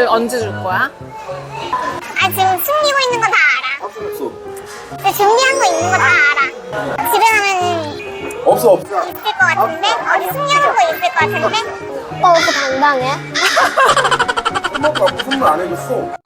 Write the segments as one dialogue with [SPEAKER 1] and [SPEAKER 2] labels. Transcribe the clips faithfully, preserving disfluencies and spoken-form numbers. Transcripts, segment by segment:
[SPEAKER 1] 이거를 언제 줄 거야?
[SPEAKER 2] 아, 지금 숨기고 있는 거 다 알아.
[SPEAKER 3] 없어 없어
[SPEAKER 2] 근데 준비한 거 있는 거 다 알아. 집에 가면
[SPEAKER 3] 없어 없어.
[SPEAKER 2] 있을 것 같은데? 어디 숨겨놓은 거 있을 것 같은데? 오빠 왜 이렇게 당당해?
[SPEAKER 3] 엄마가 무슨 말 안 해줬어.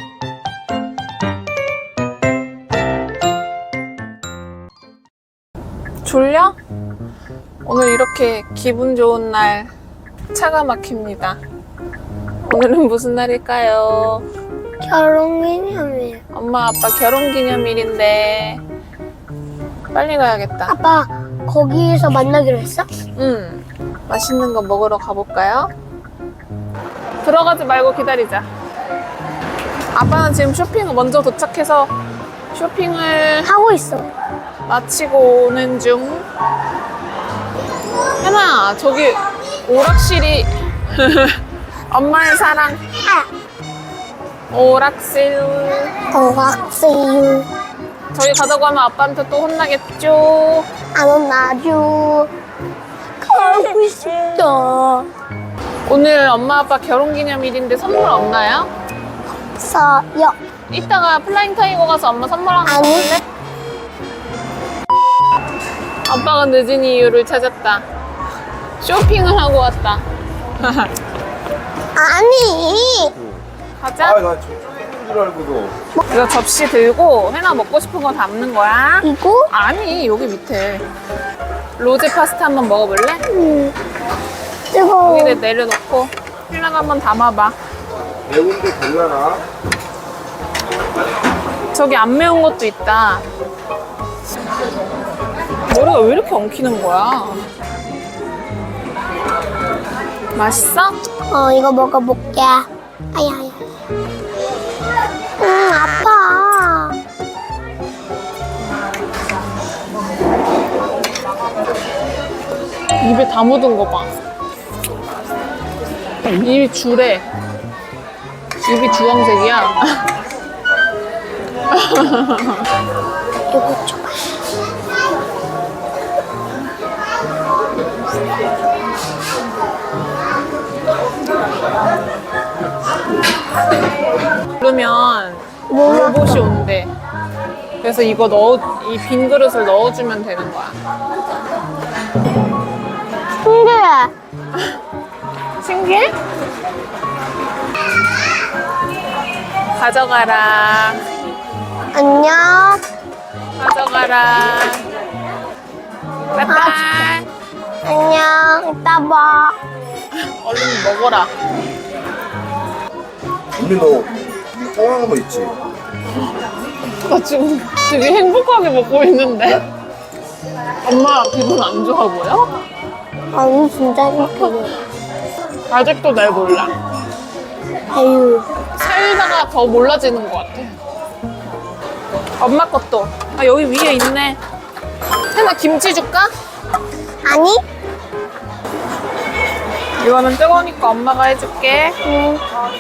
[SPEAKER 1] 졸려? 오늘 이렇게 기분 좋은 날 차가 막힙니다. 오늘은 무슨 날일까요?
[SPEAKER 2] 결혼기념일.
[SPEAKER 1] 엄마 아빠 결혼기념일인데 빨리 가야겠다.
[SPEAKER 2] 아빠, 거기에서 만나기로 했어?
[SPEAKER 1] 응. 맛있는 거 먹으러 가볼까요? 들어가지 말고 기다리자. 아빠는 지금 쇼핑을 먼저 도착해서 쇼핑을
[SPEAKER 2] 하고 있어.
[SPEAKER 1] 마치고 오는 중. 혜나, 저기 오락실이 엄마의 사랑
[SPEAKER 2] 아,
[SPEAKER 1] 오락실.
[SPEAKER 2] 오락실.
[SPEAKER 1] 저기 가자고 하면 아빠한테 또 혼나겠죠?
[SPEAKER 2] 안 혼나줘. 가고 싶다.
[SPEAKER 1] 오늘 엄마 아빠 결혼기념일인데 선물 없나요?
[SPEAKER 2] 서요.
[SPEAKER 1] 이따가 플라잉 타이거 가서 엄마 선물 하나
[SPEAKER 2] 아니.
[SPEAKER 1] 줄래? 아빠가 늦은 이유를 찾았다. 쇼핑을 하고 왔다.
[SPEAKER 2] 아니.
[SPEAKER 1] 가자.
[SPEAKER 3] 아나 저쪽인 줄 알고도.
[SPEAKER 1] 이거 접시 들고 혜나 먹고 싶은 거 담는 거야.
[SPEAKER 2] 이거?
[SPEAKER 1] 아니, 여기 밑에 로제 파스타 한번 먹어볼래?
[SPEAKER 2] 음. 뜨거워.
[SPEAKER 1] 여기다 내려놓고 혜나가 한번 담아봐.
[SPEAKER 3] 매운데 될라나?
[SPEAKER 1] 저기 안 매운 것도 있다. 머리가 왜 이렇게 엉키는 거야? 맛있어?
[SPEAKER 2] 어, 이거 먹어볼게. 아야, 아야. 음, 아파.
[SPEAKER 1] 입에 다 묻은 거 봐. 입이 주래. 입이 주황색이야.
[SPEAKER 2] 이거 줘봐.
[SPEAKER 1] 그러면 로봇이 온대. 그래서 이거 넣어, 이 빈 그릇을 넣어주면 되는 거야.
[SPEAKER 2] 신기해.
[SPEAKER 1] 신기해? 가져가라.
[SPEAKER 2] 안녕.
[SPEAKER 1] 가져가라. 빠이빠이.
[SPEAKER 2] 안녕. 이따 봐.
[SPEAKER 1] 얼른 먹어라.
[SPEAKER 3] 우리 너 뻥하는 거 있지?
[SPEAKER 1] 나 지금 되게 행복하게 먹고 있는데? 엄마 기분 안 좋아 보여?
[SPEAKER 2] 아니, 진짜 행복해.
[SPEAKER 1] 아직도 날 몰라.
[SPEAKER 2] 아유.
[SPEAKER 1] 살다가 더 몰라지는 것 같아. 엄마 것도. 아, 여기 위에 있네. 혜나 김치 줄까?
[SPEAKER 2] 아니?
[SPEAKER 1] 이거는 뜨거우니까 엄마가 해줄게.
[SPEAKER 2] 응.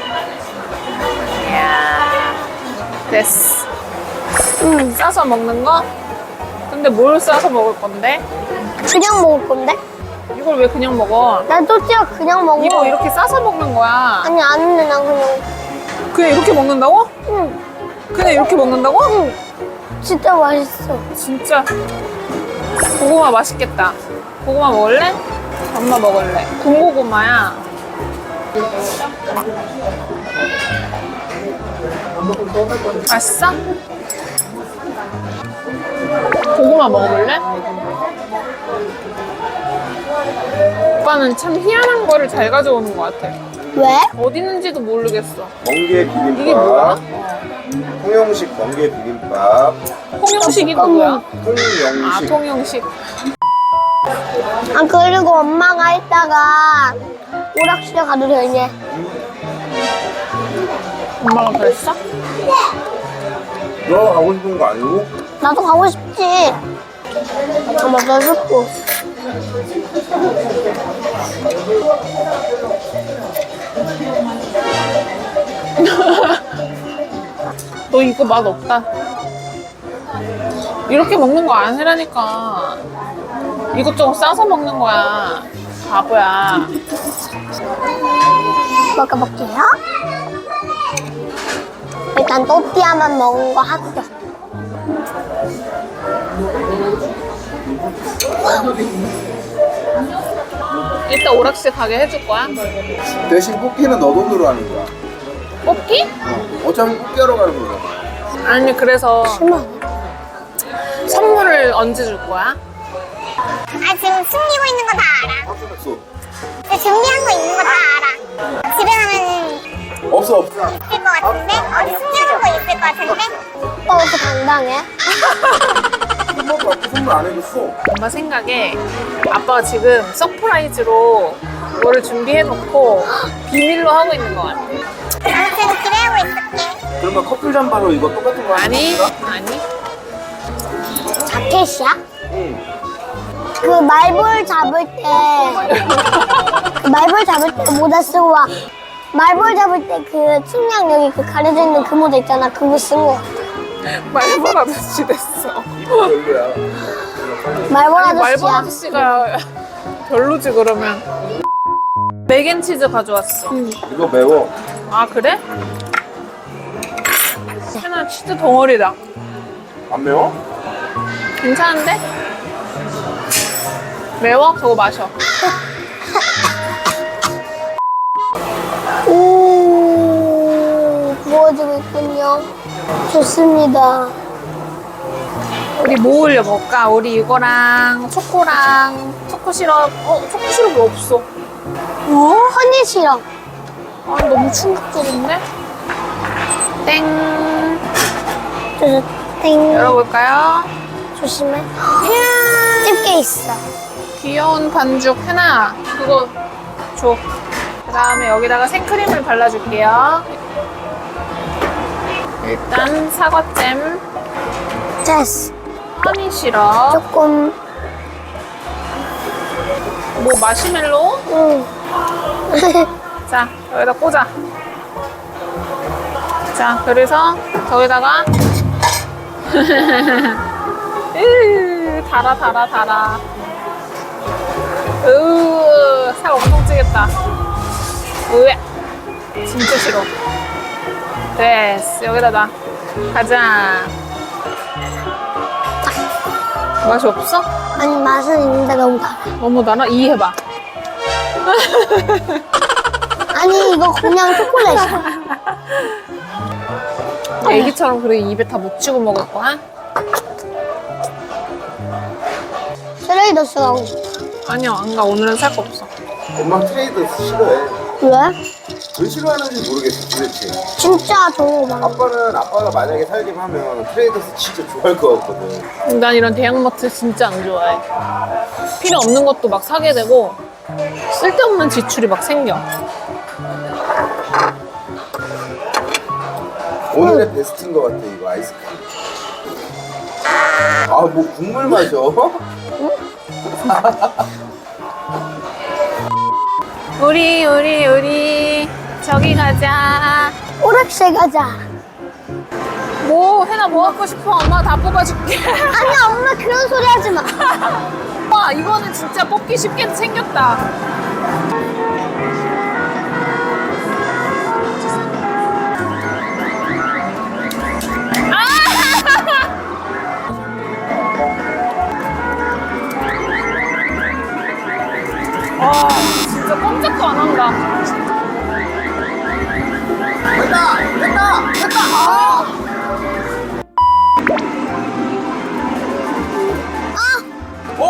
[SPEAKER 1] 이야, 됐어.
[SPEAKER 2] 응.
[SPEAKER 1] 싸서 먹는 거? 근데 뭘 싸서 먹을 건데?
[SPEAKER 2] 그냥 먹을 건데?
[SPEAKER 1] 이걸 왜 그냥 먹어?
[SPEAKER 2] 난 또띠아 그냥 먹어.
[SPEAKER 1] 이거 이렇게 싸서 먹는 거야.
[SPEAKER 2] 아니, 안 했네, 난 그냥.
[SPEAKER 1] 그냥 이렇게 먹는다고?
[SPEAKER 2] 응.
[SPEAKER 1] 그냥 이렇게 먹는다고?
[SPEAKER 2] 응. 진짜 맛있어.
[SPEAKER 1] 진짜 고구마 맛있겠다. 고구마 먹을래? 엄마 먹을래. 군고구마야. 맛있어? 고구마 먹어볼래? 오빠는 참 희한한 거를 잘 가져오는 것 같아.
[SPEAKER 2] 왜?
[SPEAKER 1] 어디 있는지도 모르겠어.
[SPEAKER 3] 멍게 비빔밥.
[SPEAKER 1] 이게 뭐야?
[SPEAKER 3] 통영식 멍게 비빔밥.
[SPEAKER 1] 통영식이 누구야?
[SPEAKER 3] 통영식.
[SPEAKER 1] 아, 통영식.
[SPEAKER 2] 아, 그리고 엄마가 이따가 오락실에 가도 되니?
[SPEAKER 1] 엄마가 그랬어?
[SPEAKER 3] 너 가고 싶은 거 아니고?
[SPEAKER 2] 나도 가고 싶지. 엄마, 나 죽고.
[SPEAKER 1] 너 이거 맛 없다. 이렇게 먹는 거 아니라니까. 이것저것 싸서 먹는 거야. 바보야.
[SPEAKER 2] 먹어볼게요. 일단 또띠아만 먹은 거 합격.
[SPEAKER 1] 이따 오락실 가게 해줄 거야?
[SPEAKER 3] 대신 뽑기는 너 돈으로 하는 거야.
[SPEAKER 1] 뽑기?
[SPEAKER 3] 어. 어차피 뽑기하러 가는 거잖아.
[SPEAKER 1] 아니 그래서
[SPEAKER 2] 실망.
[SPEAKER 1] 선물을 언제 줄 거야?
[SPEAKER 2] 아, 지금 숨기고 있는 거 다 알아.
[SPEAKER 3] 없어.
[SPEAKER 2] 근데 준비한 거 있는 거 다 알아. 집에 가면
[SPEAKER 3] 없어 없어.
[SPEAKER 2] 있을 것 같은데? 어디 숨겨놓은 거 있을 것 같은데? 오빠 왜 이렇게 당당해?
[SPEAKER 3] 한 번도 아빠 선물 안 해줬어.
[SPEAKER 1] 엄마 생각에 아빠가 지금 서프라이즈로 뭐를 준비해놓고 비밀로 하고 있는 것 같아.
[SPEAKER 2] 아무튼 기대하고 있을게.
[SPEAKER 3] 그러면 커플 잠바로 이거 똑같은 거 하는
[SPEAKER 1] 아니
[SPEAKER 3] 건가?
[SPEAKER 1] 아니
[SPEAKER 2] 자켓이야?
[SPEAKER 3] 응.
[SPEAKER 2] 그 말볼 잡을 때, 그 말볼 잡을 때 모자 쓰고 와. 말볼 잡을 때 그 측량 여기 그 가려져 있는 그 모자 있잖아. 그거 쓰고.
[SPEAKER 1] 말벌 아저씨 됐어.
[SPEAKER 3] 별로야.
[SPEAKER 2] 말볼
[SPEAKER 1] 아니, 말벌
[SPEAKER 2] 아저씨야.
[SPEAKER 1] 아저씨가 별로지 그러면. 맥앤치즈 가져왔어.
[SPEAKER 3] 이거 매워.
[SPEAKER 1] 아 그래? 하나 치즈 덩어리다.
[SPEAKER 3] 안 매워?
[SPEAKER 1] 괜찮은데? 매워? 저거 마셔.
[SPEAKER 2] 오, 구워지고 있군요. 좋습니다.
[SPEAKER 1] 우리 뭐 올려 먹을까? 우리 이거랑 초코랑 초코 시럽. 어 초코 시럽이 없어.
[SPEAKER 2] 어? 허니 시럽.
[SPEAKER 1] 아 너무 충격적인데? 땡.
[SPEAKER 2] 저, 땡.
[SPEAKER 1] 열어볼까요?
[SPEAKER 2] 조심해. 집게 있어.
[SPEAKER 1] 귀여운 반죽 하나. 그거 줘. 그 다음에 여기다가 생크림을 발라줄게요. 일단 사과잼,
[SPEAKER 2] 됐어.
[SPEAKER 1] 허니 시럽,
[SPEAKER 2] 조금,
[SPEAKER 1] 뭐 마시멜로.
[SPEAKER 2] 응.
[SPEAKER 1] 자 여기다 꽂아. 자 그래서 저기다가 으 달아 달아 달아. 으, 살 엄청 찌겠다. 으, 진짜 싫어. 됐어, 여기다 놔. 가자. 맛이 없어?
[SPEAKER 2] 아니, 맛은 있는데 너무 달아.
[SPEAKER 1] 너무 달아? 이해해봐.
[SPEAKER 2] 아니, 이거 그냥 초콜릿이야.
[SPEAKER 1] 애기처럼 그래 입에 다 묻히고 먹을 거야?
[SPEAKER 2] 쓰레기 쓰라고.
[SPEAKER 1] 아니야, 안 가. 오늘은 살 거 없어.
[SPEAKER 3] 엄마 트레이드 싫어해.
[SPEAKER 2] 왜?
[SPEAKER 3] 왜 싫어하는지 모르겠어 도대체.
[SPEAKER 2] 진짜 좋은 거 많아.
[SPEAKER 3] 아빠는 아빠가 만약에 살기만 하면 트레이더스 진짜 좋아할 것 같거든.
[SPEAKER 1] 난 이런 대형마트 진짜 안 좋아해. 필요 없는 것도 막 사게 되고 쓸데없는 지출이 막 생겨.
[SPEAKER 3] 오늘의 베스트인 것 같아 이거 아이스크림. 아 뭐 국물 마셔?
[SPEAKER 1] 우리 우리 우리 저기 가자.
[SPEAKER 2] 오락실 가자.
[SPEAKER 1] 뭐 해나 뭐 갖고 싶어? 엄마 다 뽑아줄게.
[SPEAKER 2] 아니, 엄마 그런 소리 하지 마.
[SPEAKER 1] 와 이거는 진짜 뽑기 쉽게 생겼다. 와 진짜 꼼짝도 안 한다.
[SPEAKER 3] 됐다! 됐다! 됐다! 아! 오!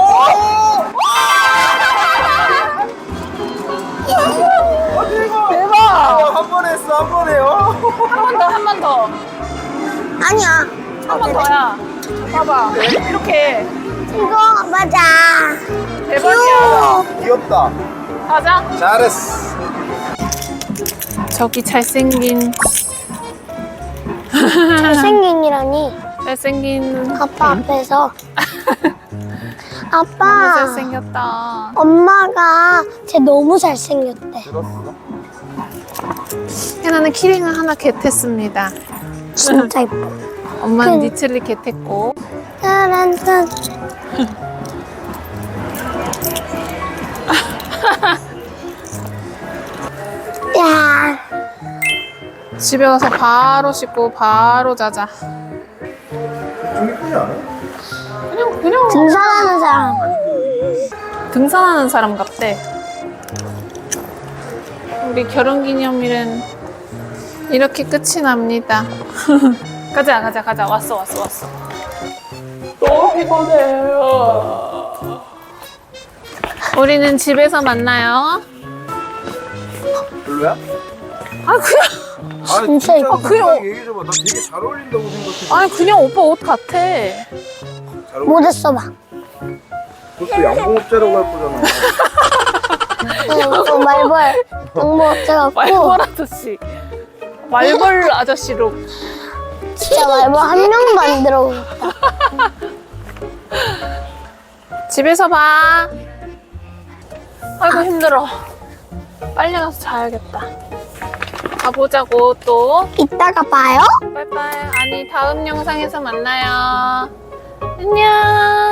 [SPEAKER 3] 어, 대박!
[SPEAKER 1] 대박.
[SPEAKER 3] 한 번 했어, 한 번 해요.
[SPEAKER 1] 한 번 더, 한 번 더.
[SPEAKER 2] 아니야.
[SPEAKER 1] 한 번 더야. 봐봐. 이렇게.
[SPEAKER 2] 이거 맞아.
[SPEAKER 1] 대박이야.
[SPEAKER 3] 귀엽다.
[SPEAKER 1] 가자.
[SPEAKER 3] 잘했어.
[SPEAKER 1] 저기 잘생긴,
[SPEAKER 2] 잘생긴이라니.
[SPEAKER 1] 잘생긴.
[SPEAKER 2] 아빠 앞에서.
[SPEAKER 1] 너무
[SPEAKER 2] 아빠.
[SPEAKER 1] 잘생겼다.
[SPEAKER 2] 엄마가 쟤 너무 잘생겼대.
[SPEAKER 3] 들었어?
[SPEAKER 1] 해나는 키링을 하나 겟했습니다.
[SPEAKER 2] 진짜 이뻐.
[SPEAKER 1] 엄마는
[SPEAKER 2] 그-
[SPEAKER 1] 니트를 겟했고.
[SPEAKER 2] 따란딴. 야,
[SPEAKER 1] 집에 가서 바로 씻고 바로 자자.
[SPEAKER 3] 좀 이쁘지 않아?
[SPEAKER 1] 그냥 그냥
[SPEAKER 2] 등산하는 사람.
[SPEAKER 1] 등산하는 사람 같대. 우리 결혼기념일은 이렇게 끝이 납니다. 가자 가자 가자. 왔어 왔어 왔어. 너무 피곤해요. 우리는 집에서 만나요.
[SPEAKER 3] 별로야?
[SPEAKER 1] 아 그냥
[SPEAKER 3] 아니
[SPEAKER 2] 진짜
[SPEAKER 3] 진짜
[SPEAKER 2] 이뻐.
[SPEAKER 3] 그냥 얘기해줘봐. 나 되게 잘 어울린다고 생각해.
[SPEAKER 1] 아니 그냥 오빠 옷 같아.
[SPEAKER 3] 잘 어울려.
[SPEAKER 2] 모자 써봐.
[SPEAKER 3] 그것도 양봉업자라고 할 거잖아.
[SPEAKER 2] 응, 그 말벌 양모 어쩌고
[SPEAKER 1] 말벌 아저씨. 말벌 아저씨로.
[SPEAKER 2] 진짜 말벌 한 명도 안 들어오고.
[SPEAKER 1] 집에서 봐. 아이고 힘들어. 빨리 가서 자야겠다. 가보자고 또.
[SPEAKER 2] 이따가 봐요.
[SPEAKER 1] 빠이빠이. 아니 다음 영상에서 만나요. 안녕.